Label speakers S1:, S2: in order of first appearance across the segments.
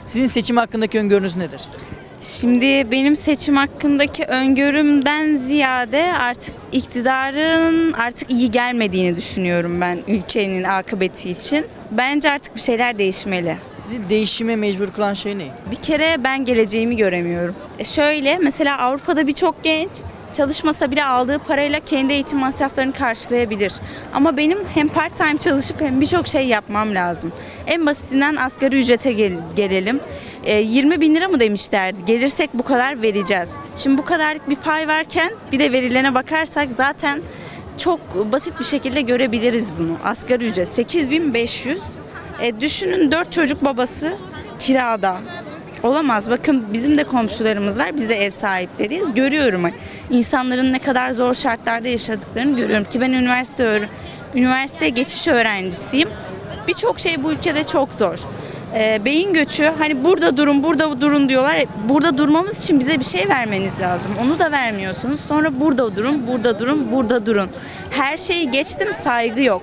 S1: Sizin seçim hakkındaki öngörünüz nedir?
S2: Şimdi benim seçim hakkındaki öngörümden ziyade artık iktidarın artık iyi gelmediğini düşünüyorum ben ülkenin akıbeti için. Bence artık bir şeyler değişmeli.
S1: Sizi değişime mecbur kılan şey ne?
S2: Bir kere ben geleceğimi göremiyorum. Şöyle mesela Avrupa'da birçok genç çalışmasa bile aldığı parayla kendi eğitim masraflarını karşılayabilir. Ama benim hem part time çalışıp hem birçok şey yapmam lazım. En basitinden asgari ücrete gelelim. 20 bin lira mı demişlerdi? Gelirsek bu kadar vereceğiz. Şimdi bu kadarlık bir pay varken bir de verilene bakarsak zaten çok basit bir şekilde görebiliriz bunu. Asgari ücret 8.500. Düşünün 4 çocuk babası kirada. Olamaz. Bakın bizim de komşularımız var. Biz de ev sahipleriyiz. Görüyorum insanların ne kadar zor şartlarda yaşadıklarını görüyorum ki ben üniversite geçiş öğrencisiyim. Birçok şey bu ülkede çok zor. Beyin göçü, hani burada durun, burada durun diyorlar. Burada durmamız için bize bir şey vermeniz lazım. Onu da vermiyorsunuz. Sonra burada durun, burada durun, burada durun. Her şeyi geçtim, saygı yok.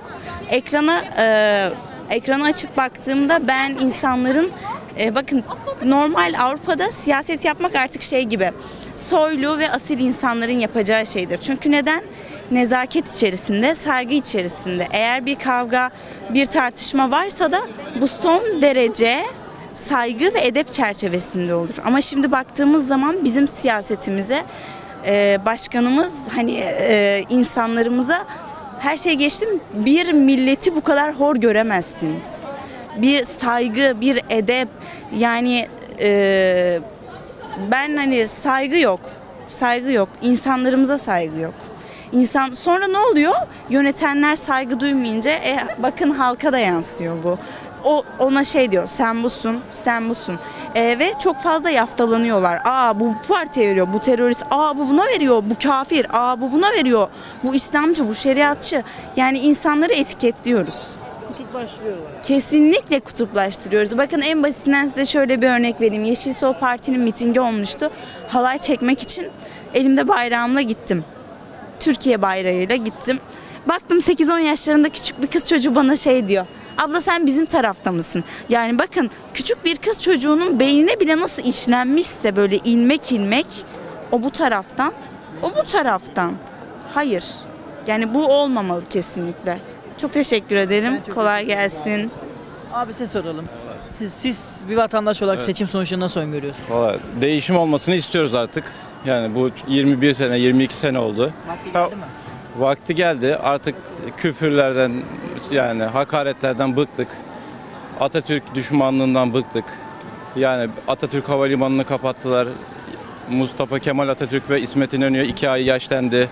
S2: Ekrana açıp baktığımda ben insanların bakın normal Avrupa'da siyaset yapmak artık şey gibi. Soylu ve asil insanların yapacağı şeydir. Çünkü neden? Nezaket içerisinde, saygı içerisinde. Eğer bir kavga, bir tartışma varsa da bu son derece saygı ve edep çerçevesinde olur. Ama şimdi baktığımız zaman bizim siyasetimize, başkanımız insanlarımıza her şey geçtim, bir milleti bu kadar hor göremezsiniz. Bir saygı, bir edep, yani ben saygı yok. Saygı yok. İnsanlarımıza saygı yok. Sonra ne oluyor? Yönetenler saygı duymayınca bakın halka da yansıyor bu. Ona şey diyor, sen busun, sen busun. Ve çok fazla yaftalanıyorlar. Bu partiye veriyor, bu terörist. Bu buna veriyor, bu kafir. Bu buna veriyor, bu İslamcı, bu şeriatçı. Yani insanları etiketliyoruz.
S1: Kutuplaştırıyorlar.
S2: Kesinlikle kutuplaştırıyoruz. Bakın en basitinden size şöyle bir örnek vereyim. Yeşil Sol Parti'nin mitingi olmuştu. Halay çekmek için elimde bayrağımla gittim. Türkiye bayrağıyla gittim. Baktım 8-10 yaşlarında küçük bir kız çocuğu bana şey diyor. Abla sen bizim tarafta mısın? Yani bakın küçük bir kız çocuğunun beynine bile nasıl işlenmişse böyle ilmek ilmek o bu taraftan, o bu taraftan. Hayır. Yani bu olmamalı kesinlikle. Çok teşekkür ederim. Kolay gelsin.
S1: Abi size soralım. Siz bir vatandaş olarak seçim sonuçlarını nasıl öngörüyorsunuz?
S3: Vallahi değişim olmasını istiyoruz artık. Yani bu 21 sene, 22 sene oldu.
S1: Vakti geldi mi?
S3: Vakti geldi. Artık küfürlerden, yani hakaretlerden bıktık. Atatürk düşmanlığından bıktık. Yani Atatürk Havalimanı'nı kapattılar. Mustafa Kemal Atatürk ve İsmet İnönü 2 ay yaşlandı.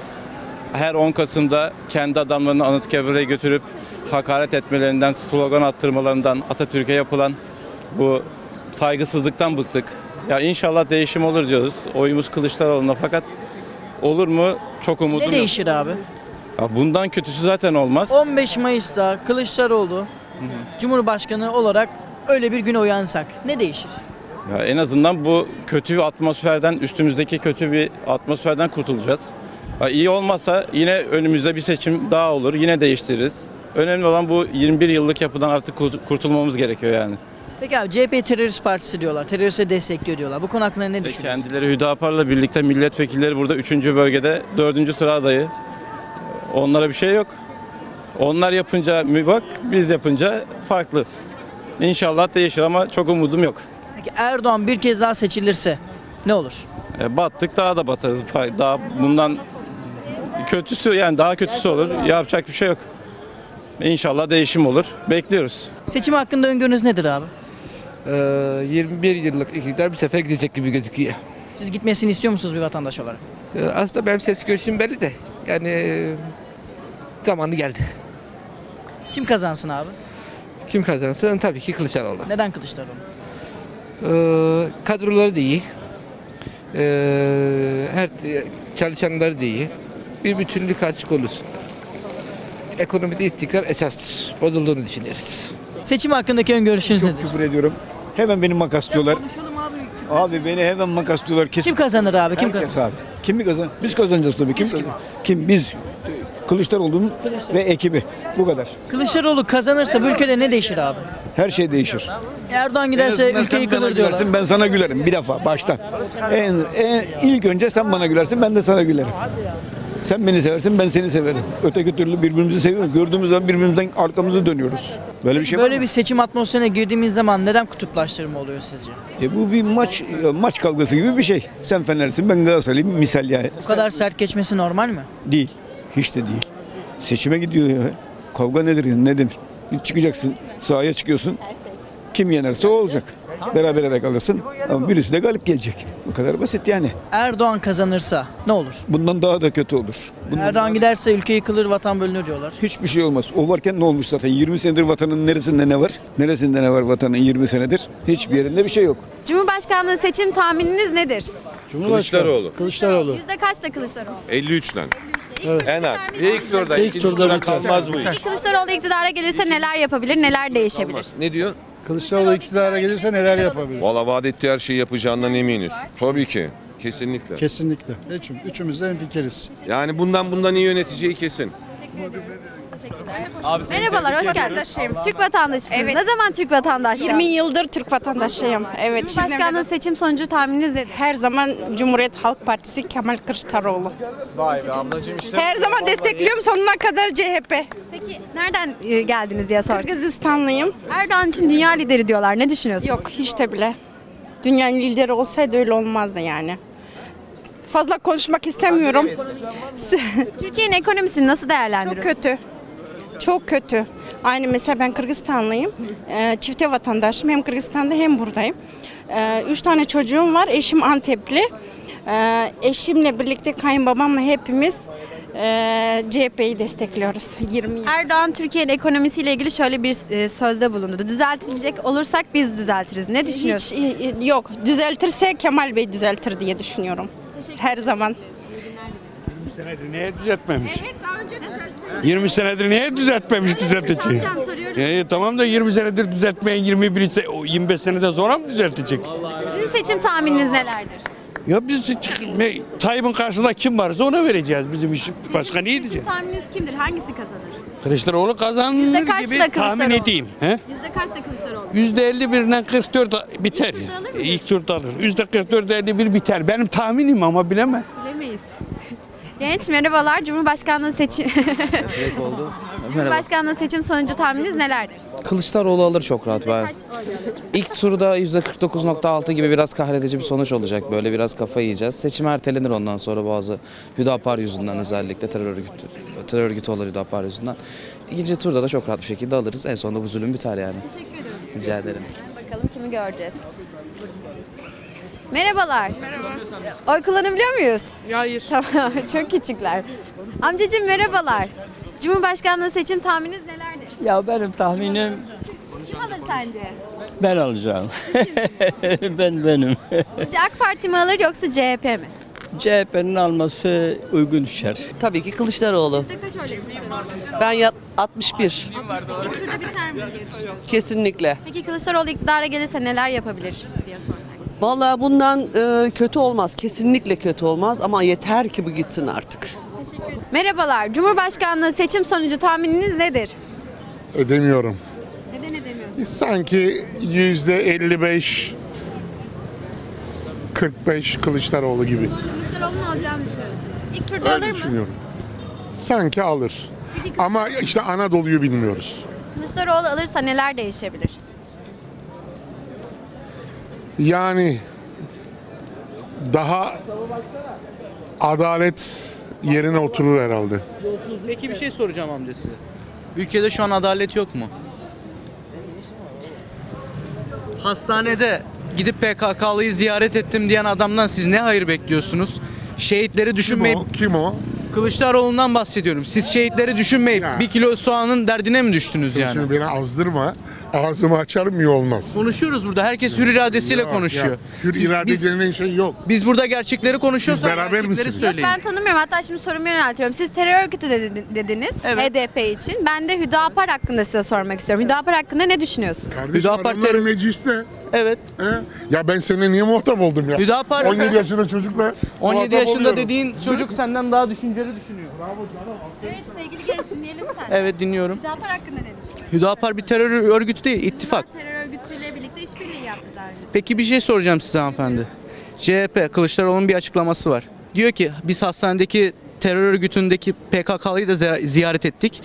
S3: Her 10 Kasım'da kendi adamlarını Anıtkabir'e götürüp hakaret etmelerinden, slogan attırmalarından, Atatürk'e yapılan bu saygısızlıktan bıktık. Ya inşallah değişim olur diyoruz. Oyumuz Kılıçdaroğlu'na, fakat olur mu? Çok umudum
S1: Ne
S3: yok.
S1: değişir abi?
S3: Ya bundan kötüsü zaten olmaz.
S1: 15 Mayıs'ta Kılıçdaroğlu Cumhurbaşkanı olarak öyle bir güne uyansak ne değişir?
S3: Ya en azından bu kötü bir atmosferden, üstümüzdeki kötü bir atmosferden kurtulacağız. Ya iyi olmazsa yine önümüzde bir seçim daha olur. Yine değiştiririz. Önemli olan bu 21 yıllık yapıdan artık kurtulmamız gerekiyor yani.
S1: Peki abi CHP terörist partisi diyorlar. Teröriste destekliyor diyorlar. Bu konu hakkında ne düşünüyorsun?
S3: Kendileri Hüdapar'la birlikte milletvekilleri burada 3. bölgede 4. sıra adayı. Onlara bir şey yok. Onlar yapınca mübak, biz yapınca farklı. İnşallah değişir ama çok umudum yok.
S1: Peki Erdoğan bir kez daha seçilirse ne olur?
S3: Battık, daha da batarız. Daha bundan kötüsü, yani daha kötüsü olur. Yapacak bir şey yok. İnşallah değişim olur. Bekliyoruz.
S1: Seçim hakkında öngörünüz nedir abi?
S4: 21 yıllık iktidar bir sefer gidecek gibi gözüküyor.
S1: Siz gitmesini istiyor musunuz bir vatandaş olarak?
S4: Aslında benim ses görüşüm belli de yani zamanı geldi.
S1: Kim kazansın abi?
S4: Kim kazansın? Tabii ki Kılıçdaroğlu.
S1: Neden Kılıçdaroğlu?
S4: Kadroları da iyi. Her çalışanları da iyi. Bir bütünlük açık olursun. Ekonomide istikrar esastır. Bozulduğunu düşünüyoruz.
S1: Seçim hakkındaki öngörüşünüz nedir?
S5: Küfür ediyorum. Hemen beni makaslıyorlar.
S1: Konuşalım abi.
S5: Abi beni hemen makaslıyorlar. Kesin.
S1: Kim kazanır abi? Kim
S5: Herkes
S1: kazanır?
S5: abi. Kim mi kazan? Biz kazanacağız tabii. Kim
S1: Biz
S5: kazan? Kim? Biz. Kılıçdaroğlu'nun ve ekibi. Bu kadar.
S1: Kılıçdaroğlu kazanırsa bu ülkede ne değişir abi?
S5: Her şey değişir.
S1: Erdoğan
S5: En
S1: giderse
S5: azından
S1: ülke
S5: sen bana
S1: yıkılır diyorlar.
S5: gülersin, ben sana gülerim bir defa baştan. İlk önce sen bana gülersin, ben de sana gülerim. Sen beni seversin, ben seni severim. Öteki türlü birbirimizi seviyoruz. Gördüğümüz zaman birbirimizden arkamızı dönüyoruz. Böyle bir şey var
S1: Böyle
S5: mı?
S1: bir seçim atmosferine girdiğimiz zaman neden kutuplaştırma oluyor sizce?
S5: Bu bir maç kavgası gibi bir şey. Sen Fenerlisin, ben Galatasaraylıyım misal yani.
S1: Bu kadar sert geçmesi normal mi?
S5: Değil. Hiç de değil. Seçime gidiyor ya. Kavga nedir ya? Ne demek? Çıkacaksın, sahaya çıkıyorsun. Kim yenerse o olacak. Berabere de kalırsın ama birisi de galip gelecek. Bu kadar basit yani.
S1: Erdoğan kazanırsa ne olur?
S5: Bundan daha da kötü olur.
S1: Erdoğan giderse ülke yıkılır, vatan bölünür diyorlar.
S5: Hiçbir şey olmaz. O varken ne olmuş zaten? 20 senedir vatanın neresinde ne var? Neresinde ne var vatanın 20 senedir? Hiçbir yerinde bir şey yok.
S6: Cumhurbaşkanlığı seçim tahmininiz nedir?
S7: Kılıçdaroğlu.
S8: Kılıçdaroğlu.
S6: Yüzde kaçta Kılıçdaroğlu?
S7: 53'ten. En az.
S3: İlk turda,
S8: İlk turda biter.
S3: kalmaz bu iş.
S6: Peki Kılıçdaroğlu iktidara gelirse neler yapabilir, neler değişebilir?
S7: Ne diyor?
S8: Kılıçdaroğlu iktidara gelirse neler yapabilir?
S7: Valla vaat ettiği her şeyi yapacağından eminiz. Tabii ki. Kesinlikle.
S8: Kesinlikle. Üçümüz de hemfikiriz.
S7: Yani bundan iyi yöneteceği kesin.
S6: Merhabalar, hoş geldiniz. Türk vatandaşısınız.
S9: Evet.
S6: Ne zaman Türk vatandaşlığı?
S9: 20 yıldır Türk vatandaşıyım. Evet.
S6: Cumhurbaşkanlığı seçim sonucu tahmininiz nedir?
S9: Her zaman Cumhuriyet Halk Partisi Kemal Kılıçdaroğlu.
S3: Vay be ablacığım işte.
S9: Her zaman destekliyorum sonuna kadar CHP.
S6: Peki nereden geldiniz diye sordum.
S9: Kırgızistanlıyım.
S6: Erdoğan için dünya lideri diyorlar. Ne düşünüyorsunuz?
S9: Yok hiç de bile. Dünyanın lideri olsaydı öyle olmazdı yani. Fazla konuşmak istemiyorum.
S6: Türkiye'nin ekonomisini nasıl
S9: Çok
S6: değerlendiriyorsunuz?
S9: kötü. Çok kötü. Aynı mesela ben Kırgızistanlıyım. Çifte vatandaşım. Hem Kırgızistan'da hem buradayım. 3 tane çocuğum var. Eşim Antepli. Eşimle birlikte kayınbabamla hepimiz CHP'yi destekliyoruz. 20 yıl.
S6: Erdoğan Türkiye'nin ekonomisiyle ilgili şöyle bir sözde bulundu. Düzeltilecek olursak biz düzeltiriz. Ne düşünüyorsunuz?
S9: Hiç yok. Düzeltirse Kemal Bey düzeltir diye düşünüyorum. Her zaman.
S10: Niye düzeltmemiş? 20 senedir niye düzeltmemiş düzeltecek? Tamam da 20 senedir düzeltmeyen 25 senede sonra mı düzeltecek?
S6: Sizin seçim tahmininiz nelerdir?
S10: Ya biz Tayyip'in karşısında kim varsa ona vereceğiz bizim işim. Başka ne
S6: Seçim
S10: diyeceğiz?
S6: tahmininiz kimdir? Hangisi kazanır?
S10: Kılıçdaroğlu kazanır
S6: Yüzde kaçla
S10: gibi tahmin
S6: Kılıçdaroğlu?
S10: edeyim. He?
S6: Yüzde kaçta Kılıçdaroğlu?
S10: %51'den 44 biter.
S6: İlk turda alır mı?
S10: İlk turda alır. %44-51 biter. Benim tahminim ama bilemem.
S6: Bilemeyiz. Genç merhabalar. Cumhurbaşkanlığı seçim Cumhurbaşkanlığı seçim sonucu tahmininiz nelerdir?
S11: Kılıçdaroğlu alır çok rahat ben. İlk turda %49.6 gibi biraz kahredici bir sonuç olacak. Böyle biraz kafa yiyeceğiz. Seçim ertelenir ondan sonra bazı Hüdapar yüzünden özellikle terör örgütü olur Hüdapar yüzünden. İkinci turda da çok rahat bir şekilde alırız. En sonunda bu zulüm biter yani.
S6: Teşekkür ederim.
S11: Rica ederim.
S6: Bakalım kimi göreceğiz. Merhabalar. Merhaba. Oy kullanabiliyor muyuz?
S9: Hayır.
S6: Tamam. Çok küçükler. Amcacığım merhabalar. Cumhurbaşkanlığı seçim tahmininiz nelerdir?
S12: Ya benim tahminim
S6: Kim alır sence?
S12: ben alacağım. benim.
S6: Sizce AK Parti mi alır yoksa CHP mi?
S12: CHP'nin alması uygun düşer.
S13: Tabii ki Kılıçdaroğlu.
S6: Yüzde kaç oyla Kılıçdaroğlu?
S13: Ben 61.
S6: İlk turda biter mi diye düşünüyorsunuz?
S13: Kesinlikle.
S6: Peki Kılıçdaroğlu iktidara gelirse neler yapabilir diye sorsak.
S13: Vallahi bundan kötü olmaz. Kesinlikle kötü olmaz ama yeter ki bu gitsin artık.
S6: Merhabalar. Cumhurbaşkanlığı seçim sonucu tahmininiz nedir?
S10: Ödemiyorum.
S6: Neden edemiyorsunuz?
S10: Sanki %55 45 Kılıçdaroğlu gibi.
S6: Kılıçdaroğlu'nun alacağını düşünüyorsunuz. İlk turda alır mı?
S10: Sanki alır. Ama işte Anadolu'yu bilmiyoruz.
S6: Kılıçdaroğlu alırsa neler değişebilir?
S10: Yani daha adalet yerine oturur herhalde.
S11: Peki bir şey soracağım amcası. Ülkede şu an adalet yok mu? Hastanede gidip PKK'lıyı ziyaret ettim diyen adamdan siz ne hayır bekliyorsunuz? Şehitleri düşünmeyip
S10: Kim o?
S11: Kılıçdaroğlu'ndan bahsediyorum. Siz şehitleri düşünmeyip
S10: Ya.
S11: bir kilo soğanın derdine mi düştünüz yani?
S10: Şimdi beni azdırma. Ağzımı açarım iyi olmaz.
S11: Konuşuyoruz burada. Herkes hür iradesiyle
S10: Yok,
S11: konuşuyor.
S10: ya. Hür
S11: Siz-
S10: irade
S11: biz,
S10: denilen şey yok.
S11: biz burada gerçekleri konuşuyoruz.
S10: Siz
S11: sonra
S10: beraber
S11: gerçekleri
S10: misiniz?
S11: söyleyin.
S6: Ben tanımıyorum. Hatta şimdi sorumu yöneltiyorum. Siz terör örgütü dediniz
S11: Evet.
S6: HDP için. Ben de Hüdapar hakkında size sormak istiyorum. Hüdapar hakkında ne düşünüyorsun?
S10: Kardeşim
S11: Hüdapar
S10: adamlar
S11: terör-
S10: mecliste.
S11: Evet.
S10: He? Ya ben seninle niye muhatap oldum ya?
S11: Hüdapar
S10: 17 yaşında çocukla
S11: 17
S10: muhatap
S11: yaşında
S10: oluyorum.
S11: dediğin çocuk senden daha düşünceli düşünüyor.
S6: Evet sevgili genç dinleyelim sen.
S14: Evet dinliyorum.
S6: Hüdapar hakkında ne düşünüyorsun?
S14: Hüdapar bir terör örgütü değil, ittifak.
S6: Terör örgütüyle birlikte işbirliği yaptı daha önce.
S14: Peki bir şey soracağım size hanımefendi. CHP, Kılıçdaroğlu'nun bir açıklaması var. Diyor ki biz hastanedeki terör örgütündeki PKK'lıyı da ziyaret ettik.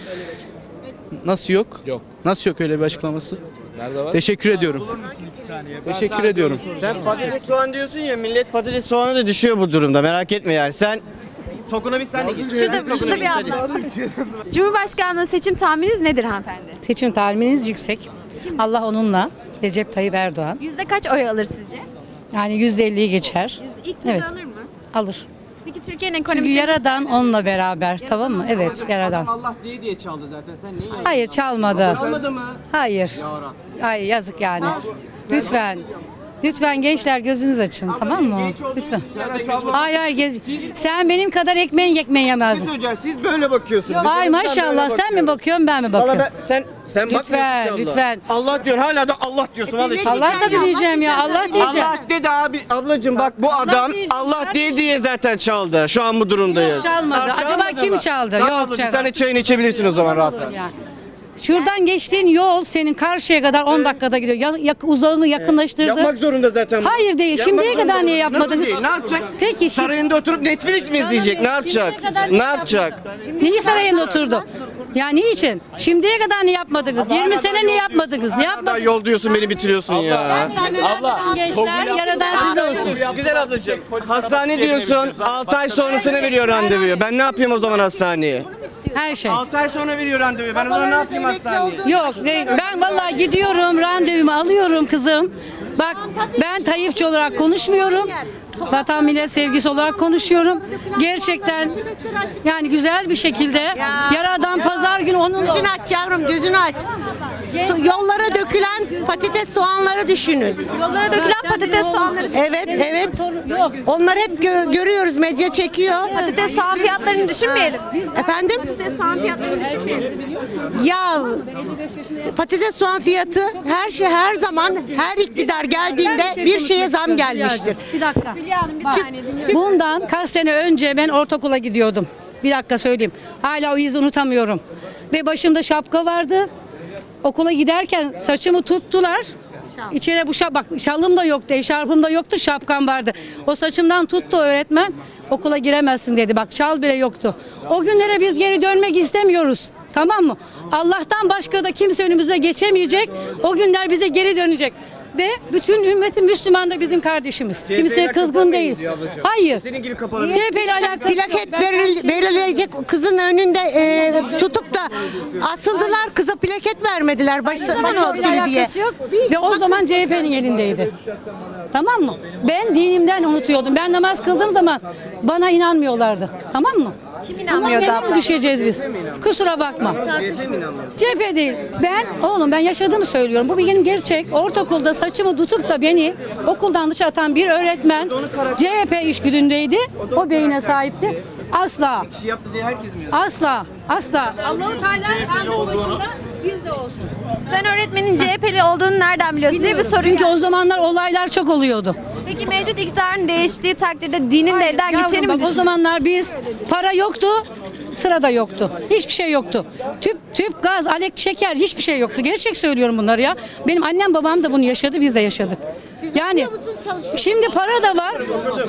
S14: Nasıl yok?
S3: Yok.
S14: Nasıl yok öyle bir açıklaması?
S3: Nerede var?
S14: Teşekkür ediyorum. Teşekkür ediyorum.
S15: Sen patates soğan diyorsun ya, millet patates soğanı da düşüyor bu durumda, merak etme yani. Sen tokuna bir sen de git.
S6: Şurada bir abla. Cumhurbaşkanlığı seçim tahmininiz nedir hanımefendi?
S9: Seçim tahmininiz yüksek. Allah onunla. Recep Tayyip Erdoğan.
S6: Yüzde kaç oy alır sizce?
S9: Yani %50'yi geçer.
S6: İlk turda
S9: Evet.
S6: alır mı?
S9: Alır.
S6: Peki Türkiye'nin
S9: Çünkü
S6: ekonomisi...
S9: Yaradan onunla beraber, tamam mı? Evet, Yaradan.
S15: Allah diye çaldı zaten, sen neyi?
S9: Hayır, çalmadı.
S15: Çalmadı mı?
S9: Hayır.
S15: Yara.
S9: Ay yazık yani. Lütfen. Lütfen gençler gözünüz açın, tamam mı? Lütfen. Hayır hayır. Sen benim kadar ekmeği yemezdin.
S15: Hocam siz böyle bakıyorsunuz.
S9: Ay maşallah, sen mi bakıyorsun ben mi bakıyorum?
S15: Sen
S9: Lütfen,
S15: bakmıyorsun
S9: lütfen.
S15: Allah diyorsun, hala da Allah diyorsun. Vallahi
S9: Allah tabii diyeceğim ya, Allah diyeceğim.
S15: Allah dedi abi, ablacığım bak bu adam
S9: diyeceğim
S15: Allah
S9: kardeşim.
S15: diye zaten çaldı. Şu an bu durumdayız.
S9: Yok, çalmadı. Acaba kim
S15: mı?
S9: çaldı?
S15: Tamam
S9: Yok,
S15: abla, bir
S9: çalmadı.
S15: tane çayını içebilirsin o zaman rahat rahat.
S9: Yani. Şuradan geçtiğin yol senin karşıya kadar 10 dakikada gidiyor. Uzağını yakınlaştırdı.
S15: Yapmak zorunda zaten.
S9: Hayır değil.
S15: Yapmak
S9: Şimdiye
S15: zorunda.
S9: kadar niye
S15: Nasıl
S9: yapmadınız?
S15: değil? Ne yapacak?
S9: Peki şimdi
S15: Sarayında oturup Netflix mi izleyecek? Ne yapacak?
S9: Şimdiye kadar
S15: Ne yapacak?
S9: neyi sarayında oturdu? Ya niçin? Şimdiye kadar ne yapmadınız? 20 sene ne yapmadınız? Ne
S15: Daha
S9: yapmadınız?
S15: yol diyorsun, beni bitiriyorsun ya.
S9: Abla. Gençler Yaradan size olsun.
S15: Güzel ablacığım. Hastane diyorsun, 6 ay sonrasına veriyor randevuyu. Ben ne yapayım o zaman hastaneye?
S9: Her şey.
S15: 6 ay sonra veriyor randevuyu. Ben o zaman ne yapayım hastaneye?
S9: Yok ben vallahi gidiyorum, randevumu alıyorum kızım. Bak ben Tayyipçi olarak konuşmuyorum. Vatan millet sevgisi olarak konuşuyorum. Gerçekten yani güzel bir şekilde Yaradan pazar günü onun
S13: Gözünü aç yavrum, gözünü aç. Yollara dökülen patates soğanları düşünün.
S6: Yollara dökülen patates soğanları...
S13: Evet, evet.
S9: Yok.
S13: Onları hep görüyoruz, medya çekiyor.
S6: Patates soğan fiyatlarını düşünmeyelim.
S13: Efendim?
S6: Patates soğan fiyatlarını düşünmeyelim.
S13: Ya patates soğan fiyatı her şey, her zaman, her iktidar geldiğinde bir şeye zam gelmiştir.
S9: Bir dakika.
S6: Hülya Hanım bir saniye dinliyorum.
S9: Bundan kaç sene önce ben ortaokula gidiyordum. Bir dakika söyleyeyim. Hala o izi unutamıyorum. Ve başımda şapka vardı. Okula giderken saçımı tuttular. İçeri bak şalım da yoktu, eşarpım da yoktu, şapkam vardı. O saçımdan tuttu öğretmen. Okula giremezsin dedi. Bak şal bile yoktu. O günlere biz geri dönmek istemiyoruz. Tamam mı? Allah'tan başka da kimse önümüze geçemeyecek. O günler bize geri dönecek. Ve bütün ümmeti Müslüman da bizim kardeşimiz. Kimseye kızgın değil. Hayır.
S15: Senin gibi kapalı.
S9: CHP ile alakalı.
S13: Plaket belirleyecek kızın önünde tutup da asıldılar, kıza plaket vermediler başörtülü diye.
S9: Yok. Ve o zaman CHP'nin elindeydi. Tamam mı? Ben dinimden unutuyordum. Ben namaz kıldığım zaman bana inanmıyorlardı. Tamam mı?
S6: Kim inanmıyordu
S9: Bundan
S6: abla?
S9: nereye düşeceğiz biz? Kusura bakma. CHP değil. Ben yaşadığımı söylüyorum. Bu benim gerçek. Ortaokulda saçımı tutup da beni okuldan dışarı atan bir öğretmen CHP işgüdündeydi. O beyine sahipti. Asla.
S15: Bir şey yaptı diye herkes mi?
S9: Asla. Asla. Allah-u Teala sandığın başında biz de olsun.
S6: Sen öğretmenin CHP'li olduğunu nereden biliyorsun diye bir soru
S9: Çünkü
S6: geldi.
S9: o zamanlar olaylar çok oluyordu.
S6: Peki mevcut iktidarın değiştiği takdirde dinin de elden
S9: Yavrum
S6: geçeni mi
S9: bak, o
S6: düşünüyorsun?
S9: zamanlar biz para yoktu, sıra da yoktu. Hiçbir şey yoktu. Tüp, gaz, alek, şeker hiçbir şey yoktu. Gerçek söylüyorum bunları ya. Benim annem babam da bunu yaşadı, biz de yaşadık. Yani şimdi para da var.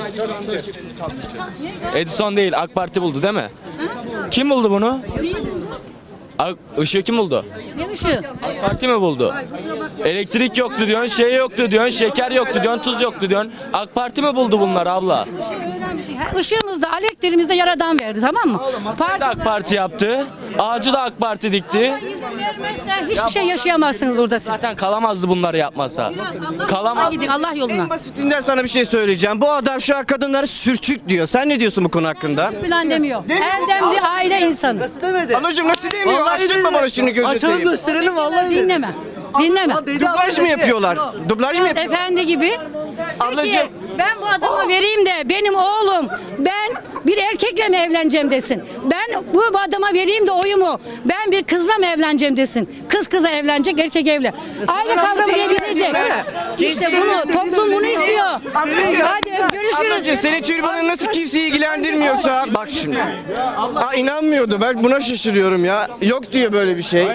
S14: Edison değil, AK Parti buldu değil mi? Kim buldu bunu? Işığı kim buldu?
S9: Ne ışığı?
S14: AK Parti mi buldu? Elektrik yoktu diyorsun, şey yoktu diyorsun, şeker yoktu diyorsun, tuz yoktu diyorsun. AK Parti mi buldu bunları abla?
S9: Işığımızda, elektriğimizde Yaradan verdi, tamam mı?
S14: Parti de AK Parti yaptı. Ağacı da AK Parti dikti.
S9: Allah izin vermezse hiçbir şey yaşayamazsınız burada siz.
S14: Zaten kalamazdı bunları yapmasa. Kalamaz.
S9: Gidin Allah yoluna.
S15: En basitinden sana bir şey söyleyeceğim. Bu adam şu an kadınları sürtük diyor. Sen ne diyorsun bu konu hakkında?
S9: Falan demiyor. Erdemli aile insanı.
S15: Anacığım nasıl demiyor? Açtırma bana şimdi gözü seveyim.
S8: gösterelim vallahi.
S9: Dinleme. Dinleme.
S15: Dublaj mı yapıyorlar? Dublaj mı yapıyorlar?
S9: Efendi gibi.
S15: Ablacığım.
S9: Peki, ben bu adamı vereyim de benim oğlum ben bir erkekle mi evleneceğim desin. Ben bu adama vereyim de oyumu ben bir kızla mı evleneceğim desin. Kız kıza evlenecek, erkek evli. Aile kavramını bilecek. İşte bunu toplum bunu istiyor. Hadi görüşürüz.
S15: Ablacığım senin türbanın nasıl kimseyi ilgilendirmiyorsa bak şimdi. İnanmıyordu. Ben buna şaşırıyorum ya. Yok diyor böyle bir şey.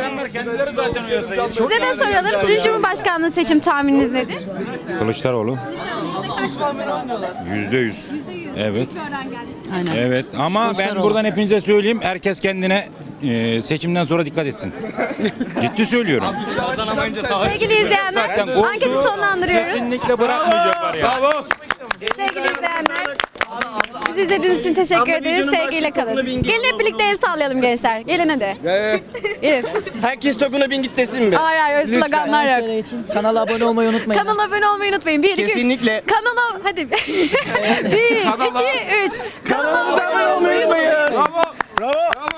S6: Size de soralım. Sizin Cumhurbaşkanlığı seçim tahmininiz nedir?
S10: Kılıçdaroğlu. %100. Evet. Evet ama ben
S1: Kılıçdaroğlu.
S10: buradan hepinize söyleyeyim. Herkes kendine seçimden sonra dikkat etsin. Ciddi söylüyorum.
S6: Sevgili izleyenler, anketi sonlandırıyoruz.
S10: Kesinlikle bırakmayacaklar ya.
S6: Sevgili izleyenler, bizi izlediğiniz için teşekkür ederiz. Sevgiyle kalın. Gelin hep birlikte el sallayalım gençler. Gelin hadi. Gelin.
S15: Herkes Tokuna bin git desin mi?
S6: Hayır hayır öyle sloganlar yok.
S1: Kanala abone olmayı unutmayın.
S6: Kanala abone olmayı unutmayın. 1, 2, 3.
S15: Kesinlikle.
S6: Kanala hadi. 1, 2, 3. Kanala
S15: Kanalımıza abone olmayı unutmayın. Bravo.